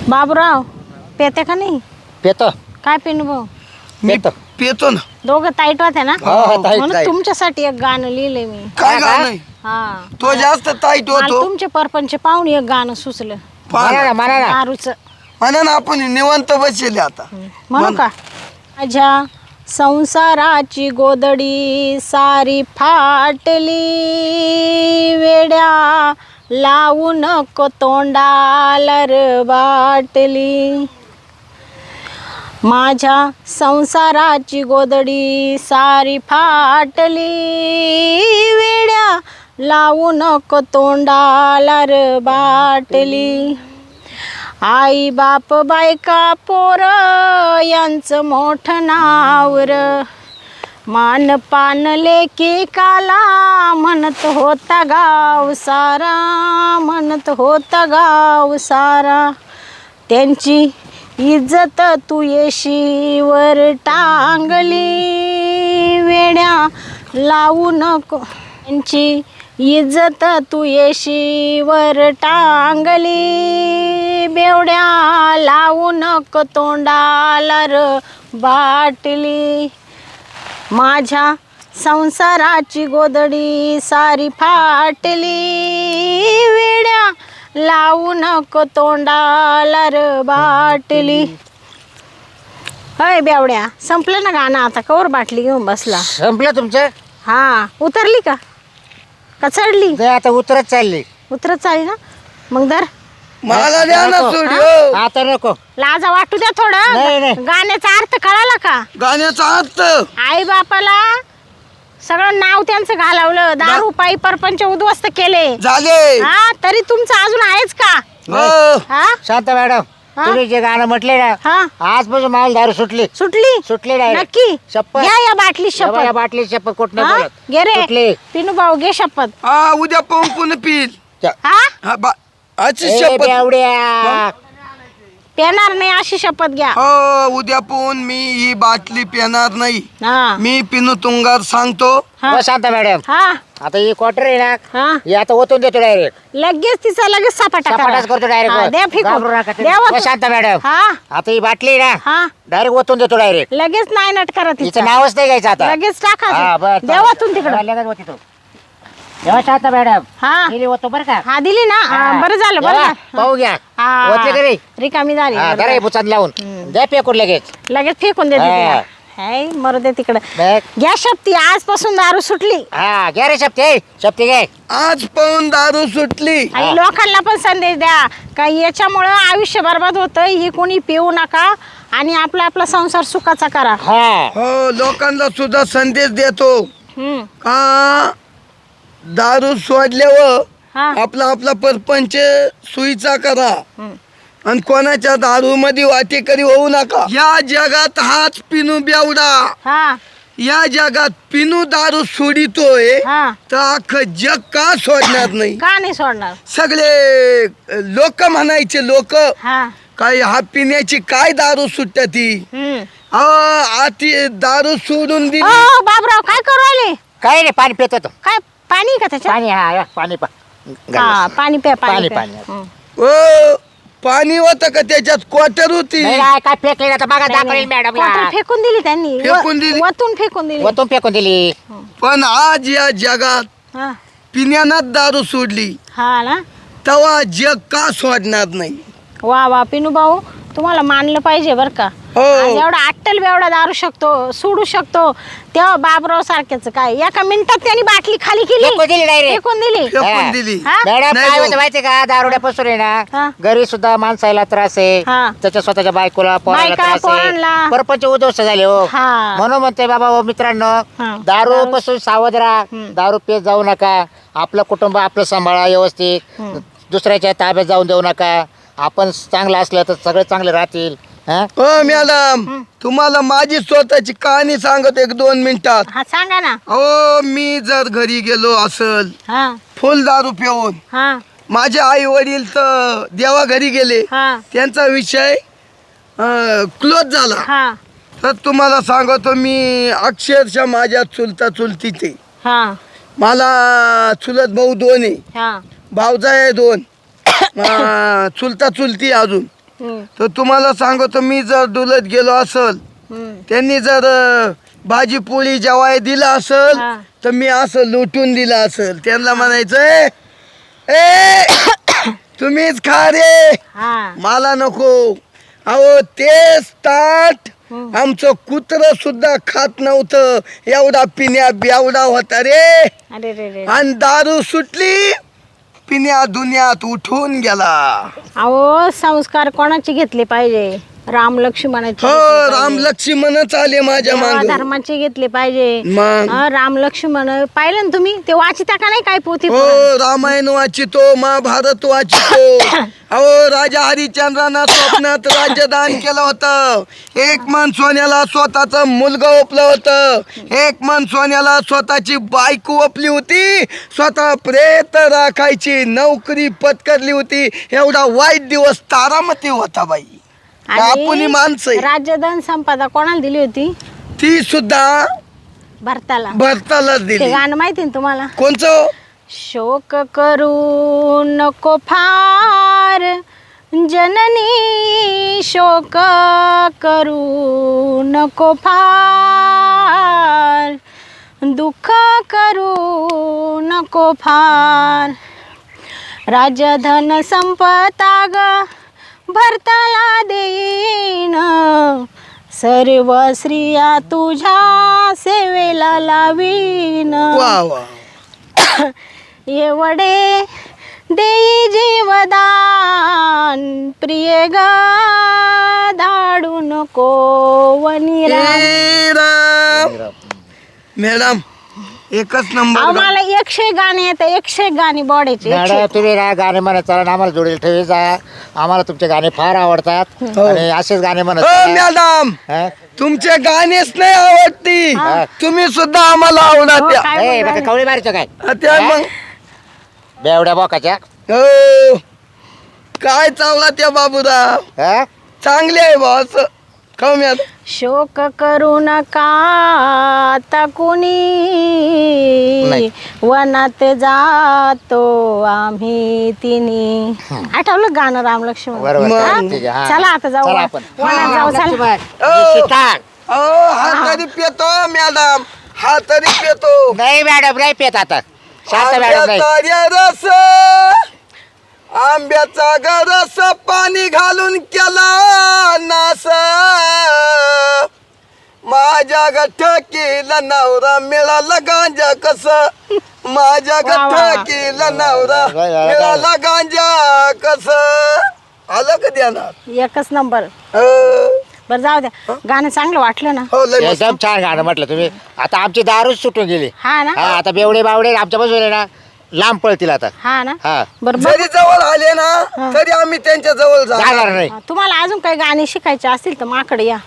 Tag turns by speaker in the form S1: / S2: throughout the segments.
S1: बाबूराव पेते का नाही?
S2: पेतो
S1: काय पिनू भाऊ?
S2: पेतो
S3: पेतो ना.
S1: दोघं ताईट होते ना
S2: हो, ताईट,
S1: म्हणून
S2: ताईट.
S1: तुमच्यासाठी एक गाणं लिहिलंय मी.
S3: काय गाणं?
S1: हा
S3: तो जास्त टाईट
S1: मला
S3: होतो.
S1: तुमचे परपंच पाहून एक गाणं सुचलं
S2: म्हणा ना म्हणा ना
S1: दारूच.
S3: म्हणा ना आपण निवांत बसले आता.
S1: म्हणू का? माझ्या संसाराची गोदडी सारी फाटली, वेड्या लावू नको तोंडाला र बाटली. माझ्या संसाराची गोदडी सारी फाटली, वेड्या लावू नको तोंडाला र बाटली. आई बाप बायका पोर यांचं मोठं नावर, मान पान लेकी काला म्हणत होता गाव सारा, म्हणत होता गाव सारा. त्यांची इज्जत तू येशीवर टांगली, वेड्या लावू नको. त्यांची इज्जत तू येशीवर टांगली, बेवड्या लावू नको तोंडाला र बाटली. माझ्या संसाराची गोदडी सारी फाटली, वेड्या लावू नको तोंडाला र बाटली. अय बेवड्या, संपलं ना गाणं आता? कवर बाटली घेऊन बसला?
S2: संपलं तुमचं?
S1: हा, उतरली का चढली?
S2: ते आता उतरत चालली.
S1: उतरत चालली ना? मग धर.
S3: मला द्या ना
S2: नको.
S3: सोडिओ.
S2: आता नको.
S1: लाजा वाटू द्या
S2: नाही, नाही.
S1: थोडं. गाण्याचा अर्थ कळाला का?
S3: गाण्याचा अर्थ
S1: आई बापाला सगळं नाव त्यांचं घालवलं, दारू पायी परपंच उद्ध्वस्त केले.
S3: झाले.
S1: हा, तरी तुमचं अजून आहेच का?
S3: हो.
S1: हा
S2: शांत मॅडम,
S1: हा?
S2: तुम्ही जे गाणं म्हटले ना,
S1: हा,
S2: आजपासून मला दारू सुटली.
S1: सुटली?
S2: सुटली direct.
S1: नक्की
S2: शपथ.
S1: घ्या या बाटली
S2: या
S1: शपथ.
S2: बाटली शपथ कुठ
S1: हा?
S2: नाही बोलत.
S1: घे रे
S2: सुटली.
S1: पिनू भाऊ, घे शपथ.
S3: हा, उद्या पाहून पुन्हा पिल.
S1: हा,
S3: आजची
S2: ए,
S3: शपथ.
S2: बेवड्या.
S1: पेणार नाही अशी शपथ घ्या.
S3: हो, उद्या पाहून मी ही बाटली पिणार नाही.
S1: हा
S3: मी पिनू तुंगार सांगतो.
S1: हा.
S2: हो, शांत मॅडम,
S1: हा
S2: आता ही क्वार्टर आहे ना,
S1: हा,
S2: हे आता ओतून देतो डायरेक्ट.
S1: लगेच तिचा लगेच सपाटा
S2: सपाटाच करतो
S1: हा, द्या
S2: डायरेक्ट.
S1: फेकून. द्या वतून.
S2: शांत मॅडम,
S1: हा
S2: आता ही बाटली आहे ना,
S1: हा,
S2: डायरेक्ट ओतून देतो डायरेक्ट.
S1: लगेच नाही नट करा
S2: हिचं
S1: तिचं.
S2: नावच नाही घ्यायचं आता.
S1: लगेच टाका
S2: हा, बरं,
S1: ते. द्या वतून तिकडं.
S2: लगेच ओती तो. तेव्हा शांत मॅडम,
S1: हा
S2: गेली ओतो बरं का.
S1: हा, दिली ना? हा, बरं झालं, बरं
S2: तेव्हा
S1: झालं.
S2: पाहू घ्या.
S1: हा,
S2: ओतले का रे?
S1: रिकामी झाली.
S2: हा,
S1: बरं
S2: जरा हे
S1: झालं.
S2: बुचात लावून द्या फेकून लगेच.
S1: लगेच फेकून दे
S2: हा.
S1: तिला. हाय, मरू दे तिकडं.
S2: बघ.
S1: घ्या शक्ती, आजपासून दारू सुटली.
S2: हा, घ्या रे शप्ते, शप्ते घे.
S3: आज पाहून दारू सुटली.
S1: आणि लोकांना पण संदेश द्या का याच्यामुळं आयुष्य बरबाद होतं, ही कोणी पिऊ नका आणि आपला आपला संसार सुखाचा करा.
S2: हा,
S3: हो, लोकांना सुद्धा संदेश देतो
S1: हम्म.
S3: का दारू सोडल्यावर
S1: हा.
S3: आपला आपला परपंच सुईचा करा
S1: हम्म.
S3: आणि कोणाच्या दारू मध्ये वाटेकरी होऊ नका. या जगात हाच पिनू बेवडा,
S1: हा
S3: या जगात पिनू दारू सोडितोय
S1: हा,
S3: तर अख्खं जग का सोडणार नाही?
S1: का नाही सोडणार?
S3: सगळे लोक म्हणायचे, लोक
S1: हा.
S3: काय हा पिण्याची काय दारू सुटते ती.
S1: हम्म.
S3: आती दारू सोडून दिली.
S1: ओ बाबराव, काय करू राहिले?
S2: काय नाही, पाणी पितो तो.
S1: काय पाणी का त्याच्यात?
S2: पाणी, हा, पाणी पा.
S1: हा, पाणी प्या,
S2: पाणी,
S1: प्या.
S2: पाणी.
S1: हम्म.
S3: ओ, पाणी होतं का त्याच्यात? क्वार्टर होती.
S2: नाही, नाही, काय फेकले आता बघा, दाखवेल मॅडम.
S1: क्वार्टर फेकून दिली त्यांनी.
S3: फेकून दिली?
S1: वतून फेकून दिली.
S2: ओतून फेकून दिली.
S3: पण आज या जगात
S1: हा.
S3: पिण्यानं दारू सोडली,
S1: हा ना?
S3: तेव्हा जग का सोडणार नाही?
S1: वा वा पिनू भाऊ, तुम्हाला मानलं पाहिजे बरं का.
S3: हो.
S1: आज एवढा अट्टल बेवडा दारू शकतो, सोडू शकतो, तेव्हा बाबराव सारख्याच काय एका मिनिटात त्यांनी बाटली खाली केली,
S2: फेकून दिली डायरेक्ट.
S1: फेकून दिली.
S3: फेकून दिली.
S1: हा?
S2: मॅडम,
S3: नाही
S2: काय
S3: भाऊ.
S2: होतं माहितीये का, दारुड्यापासून आहे
S1: हा.
S2: ना, घरी सुद्धा माणसाला त्रास आहे,
S1: हा.
S2: त्याच्या स्वतःच्या बायकोला पोराला
S1: बायका,
S2: त्रास
S1: पोरांना.
S2: आहे, परपंच उद्ध्वस्त झाले हो.
S1: हा.
S2: म्हणून म्हणते बाबा हो मित्रांनो,
S1: हा.
S2: दारू पासून सावध राहा, दारू पित जाऊ नका, आपलं कुटुंब आपलं सांभाळा व्यवस्थित, दुसऱ्याच्या ताब्यात जाऊन देऊ नका. आपण चांगलं असलं तर सगळे चांगले राहतील. हा?
S3: हो मॅडम, तुम्हाला माझी स्वतःची कहाणी सांगत 1-2 मिनिटात.
S1: हा, सांगा ना.
S3: हो, मी जर घरी गेलो असल
S1: हा
S3: फुल दारू पिऊन,
S1: हा
S3: माझे आई वडील तर देवा घरी गेले,
S1: हा
S3: त्यांचा विषय क्लोज झाला,
S1: हा
S3: तर तुम्हाला सांगतो मी अक्षरशः माझ्या चुलता चुलतीचे,
S1: हा
S3: मला चुलत भाऊ 2 आहे,
S1: हा
S3: भावजा आहे 2, चुलता चुलती अजून. तर तुम्हाला सांगतो, मी जर डुलत गेलो असल, त्यांनी जर भाजी पोळी जेवाय दिला असल,
S1: हा.
S3: तर मी असं लुटून दिलं असल. त्यांना म्हणायचं ए तुम्हीच खा रे,
S1: हा
S3: मला नको. अहो तेच ताट आमचं कुत्र सुद्धा खात नव्हतं, एवढा पिण्या बेवडा होता रे.
S1: अरे रे रे.
S3: आणि दारू सुटली, पिण्या दुनियात उठून गेला.
S1: अहो संस्कार कोणाचे घेतले पाहिजे? राम लक्ष्मणाचे
S3: हो,
S1: घेतले पाहिजे.
S3: राम लक्ष्मणच आले माझ्या
S1: देवा
S3: मागे.
S1: धर्माचे घेतले पाहिजे.
S3: मग?
S1: राम लक्ष्मण पाहिलं ना तुम्ही? ते वाचिता का नाही काय पोथी?
S3: हो, रामायण वाचितो, महाभारत वाचितो. अहो राजा हरिश्चंद्रानं स्वप्नात राज्यदान केलं होतं. एक मन सोन्याला स्वतःच मुलगा ओपलं होतं, एक मन सोन्याला स्वतःची बायको ओपली होती, स्वतः प्रेत राखायची नोकरी पत्करली होती. एवढा वाईट दिवस तारामती होता बाई. आपली माणसं आहे.
S1: राज्यदान संपदा कोणाला दिली होती?
S3: ती सुद्धा
S1: भरताला.
S3: भरताला
S1: ते
S3: दिली.
S1: गाणं माहिती ना तुम्हाला?
S3: कोणचं?
S1: शोक करू नको फार जननी, शोक करू नको फार, दुःख करू नको फार, राजधन संपता ग भरताला देईन, सर्व स्त्रिया तुझ्या सेवेला लावीन,
S3: वा वा.
S1: एवढे देई जीवदान, प्रिय ग धाडू नको वनिरा.
S3: ए राम. मॅडम एकच
S1: अहो
S3: नंबर.
S1: मला 100 गाणे येतात, 100 गाणी बॉडीचे.
S2: मॅडम तुम्ही ना गाणे म्हणत चला, आम्हाला जोडील ठेवी जा. आम्हाला तुमचे गाणे फार आवडतात आणि असेच गाणे म्हणत
S3: हो
S2: चला.
S3: मॅडम,
S2: हा?
S3: तुमचे गाणेच नाही आवडती, तुम्ही सुद्धा आम्हाला आवडत
S1: हो,
S3: द्या.
S1: काय
S2: ए,
S1: बोलताय?
S2: बघा, कवळी मारायचं काय
S3: त्या मग
S2: बेवड्या बोकाच्या.
S3: हो, काय चावला त्या बाबूराव,
S2: हा?
S3: चांगले आहे बॉस. खाऊ मॅडम.
S1: शोक करू नका आता कुणी,
S2: नाही.
S1: वनात जातो आम्ही तिनी. आठवलं गाणं राम लक्ष्मण?
S2: बरोबर
S3: मग.
S2: चालेल, ठीक आहे, हा.
S1: चला आता जाऊ
S2: चला आपण.
S1: वनात जाऊ. चला.
S2: निशिता.
S3: हा तरी पेतो मॅडम, हा तरी पेतो.
S2: नाही मॅडम नाही पेत आता. शांत मॅडम नाही.
S3: आंब्याचा रस, आंब्याचा गरस पाणी घालून केला नास, माझ्या गठकीला नवरा मिळाला गांजा कस, माझ्या
S1: वा, वा.
S3: गठकीला नवरा मिळाला गांजा कस. आलं का ध्यानात?
S1: एकच नंबर.
S3: हो,
S1: बरं जाऊ द्या, गाणं चांगलं वाटलं ना?
S3: हो, लय मस्त.
S2: एकदम छान गाणं म्हटलं तुम्ही. आता आमची दारूच सुटून गेली.
S1: हा ना?
S2: हा, आता बेवडे बावडे आमच्या बाजूला ना लांब पळतील आता.
S1: हा ना?
S2: हा.
S1: बरं
S3: जरी जवळ आले ना तरी आम्ही त्यांच्या जवळ
S2: जाणार
S3: जाणार.
S2: नाही.
S1: तुम्हाला अजून काही गाणी शिकायची असतील तर माकडे या.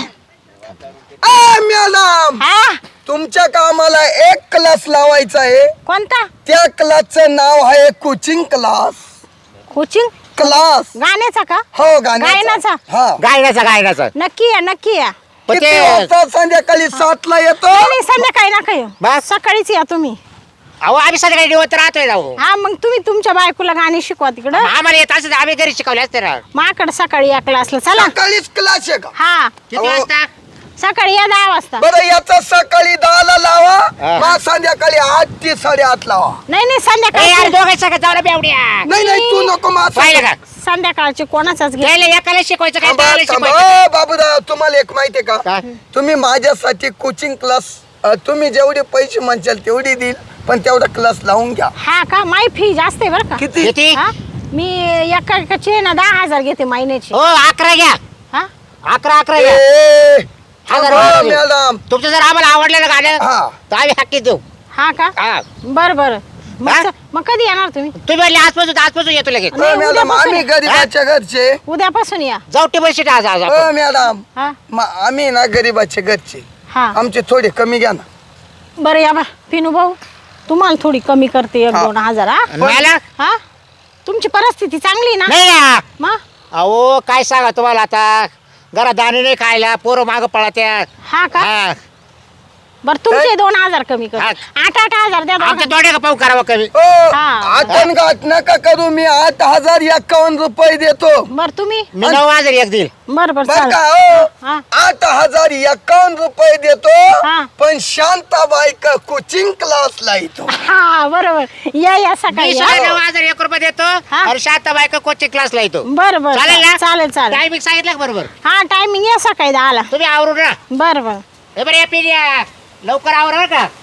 S3: मॅडम,
S1: हा,
S3: तुमच्या कामाला एक क्लास लावायचा आहे.
S1: कोणता?
S3: त्या क्लासचं नाव आहे कोचिंग क्लास.
S1: Coaching
S3: class.
S1: गाण्याचा का?
S3: हो,
S1: गायनाचा?
S3: हा.
S2: गायनाचा
S1: नक्की या, नक्की या.
S2: पण
S3: किती
S2: ते
S3: वाजता? संध्याकाळी 7ला येतो.
S1: नाही, नाही, संध्याकाळी नका येऊ,
S2: बस.
S1: सकाळीच या तुम्ही.
S2: अहो आम्ही सगळे निवत राहतोय जाऊ.
S1: हा, मग तुम्ही तुमच्या बायकोला गाणी शिकवा तिकडं.
S2: आम्हाला येत असं आम्ही घरी शिकवले असते ना.
S1: माकडे सकाळी या क्लासला. चला.
S3: सकाळीच क्लास आहे का?
S1: हा,
S2: किती
S3: अहो.
S2: वाजता?
S1: सकाळी या 10 वाजता.
S3: बरं, याचा सकाळी 10ला लावा,
S2: हा.
S3: मग संध्याकाळी 8 ते 8:30 लावा.
S1: नाही नाही,
S2: ए, यार
S1: संध्याकाळी.
S2: दोघे सगळं जाऊ ना बेवड्या.
S3: नाही नाही, तू नको
S2: पाहिलं
S3: माझं.
S2: का?
S1: संध्याकाळचे कोणाचाच घे.
S2: त्याला एकाला शिकवायचं काय
S3: थांबा,
S2: त्याला
S3: थांबा.
S2: शिकवायचं.
S3: बाबूराव, तुम्हाला एक माहितीये का?
S2: काय?
S3: तुम्ही माझ्यासाठी कोचिंग क्लास, तुम्ही जेवढे पैसे म्हणशाल तेवढे देईल, पण तेवढा क्लास लावून घ्या.
S1: हा का? माई फी जास्त आहे बरं का?
S3: किती?
S2: किती?
S1: हा? मी एकाचे ना 10,000 घेते महिन्याची.
S2: हो 11 घ्या.
S1: हा,
S2: 11 घ्या.
S3: ए,
S2: हजार
S3: हो,
S2: रुपये देऊ.
S3: मॅडम.
S2: तुमचं जर आम्हाला आवडलं ना गाणं
S3: हा.
S2: तर आम्ही हक्की देऊ.
S1: हा का?
S2: हा.
S1: बरं बरं.
S2: हा?
S1: मग कधी येणार तुम्ही?
S2: तुम्ही म्हणले आजपासून येतो लगेच.
S3: हो,
S1: नाही,
S3: मॅडम,
S1: उद्यापासून
S3: आम्ही गरीबाच्या घरचे.
S1: उद्यापासून या.
S2: जाऊ टेबल शीट आज आज
S3: हो
S2: आपण.
S3: मॅडम,
S1: हा
S3: आम्ही ना गरीबाचे घरचे,
S1: हा.
S3: आमचे थोडे कमी घ्या ना.
S1: बरं या बा पिनू भाऊ, तुम्हाला थोडी कमी करते 1-2 हजार. हा
S2: आणि मला
S1: हा, तुमची परिस्थिती चांगली ना?
S2: नाही ना.
S1: मग
S2: अहो काय सांगा तुम्हाला आता, घरात दाणे नाही खायला, पोरं मागं पळत्या.
S1: हा का?
S2: हा.
S1: बरं तुमचे 2000 कमी कर.
S2: हा.
S1: 8,000 द्या
S2: आमच्या
S1: दोघांना.
S2: दोड्या का पाहू करावं कमी
S3: हो
S1: हा.
S3: आपण गाठ नका करू. मी 8,051 रुपये देतो.
S1: बरं तुम्ही
S2: मी 9,000 एक देईल.
S1: बरं बरं
S3: बर
S1: चालेल.
S3: का हो
S1: हा.
S3: 8,051 रुपये देतो.
S1: हा.
S3: पण शांताबाई का कोचिंग क्लासला येतो.
S1: हा बरोबर या सकाळी
S2: मी
S1: या.
S2: सुद्धा 9,001 रुपये देतो
S1: हा.
S2: आणि शांताबाई का कोचिंग क्लासला येतो.
S1: बरं बरं
S2: चालेल ना?
S1: चालेल चालेल.
S2: टायमिंग सांगितलं का बरोबर?
S1: हा टायमिंग या सकाळी 10ला.
S2: तुम्ही आवरून ना.
S1: बरं बरं
S2: हे बरं या पिढ्या लवकर आवर बरं का.